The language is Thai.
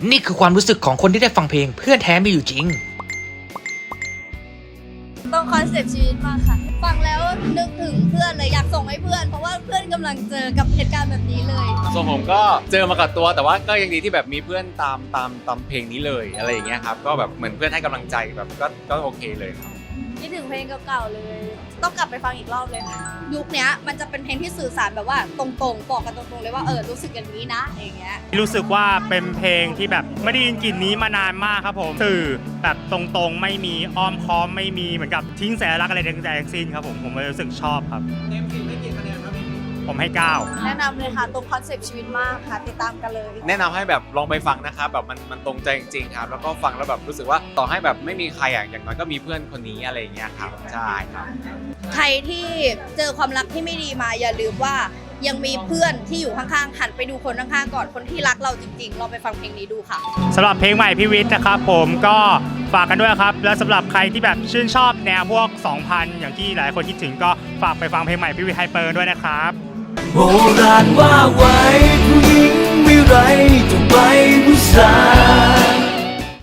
นี่คือความรู้สึกของคนที่ได้ฟังเพลงเพื่อนแท้มีอยู่จริงตรงคอนเซปต์ชีวิตมากค่ะฟังแล้วนึกถึงเพื่อนเลยอยากส่งให้เพื่อนเพราะว่าเพื่อนกำลังเจอกับเหตุการณ์แบบนี้เลยส่วนผมก็เจอมากับตัวแต่ว่าก็ยังดีที่แบบมีเพื่อนตามเพลงนี้เลยอะไรอย่างเงี้ยครับก็แบบเหมือนเพื่อนให้กำลังใจแบบก็โอเคเลยครับคิดถึงเพลงเก่าๆเลยต้องกลับไปฟังอีกรอบเลยค่ะยุคนี้มันจะเป็นเพลงที่สื่อสารแบบว่าตรงๆบอกกันตรงๆเลยว่ารู้สึกอย่างนี้นะอย่างเงี้ยรู้สึกว่าเป็นเพลงที่แบบไม่ได้ยินกลิ่นนี้มานานมากครับผมสื่อแบบตรงๆไม่มีอ้อมค้อมไม่มีเหมือนกับทิ้งสัญลักษณ์อะไรทั้งสิ้นครับผมเลยรู้สึกชอบครับเต็ม10ให้กี่คะแนนครับผมให้9 แนะนำเลยค่ะตรงคอนเซปต์ชีวิตมากค่ะติดตามกันเลยแนะนำให้แบบลองไปฟังนะครับแบบมันตรงใจจริงๆครับแล้วก็ฟังแล้วแบบรู้สึกว่าต่อให้แบบไม่มีใครอย่างน้อยก็มีเพื่อนคนนี้อะไรอย่างเงี้ยครับใช่ครับใครที่เจอความรักที่ไม่ดีมาอย่าลืมว่ายังมีเพื่อนที่อยู่ข้างๆหันไปดูคนข้างๆก่อนคนที่รักเราจริงๆลองไปฟังเพลงนี้ดูค่ะสำหรับเพลงใหม่พี่วิทย์นะครับผมก็ฝากกันด้วยครับและสำหรับใครที่แบบชื่นชอบแนวพวก 2000 อย่างที่หลายคนคิดถึงก็ฝากไปฟังเพลงใหม่พี่วิทย์ไฮเปอร์ด้วยนะครับโบราณว่าไว้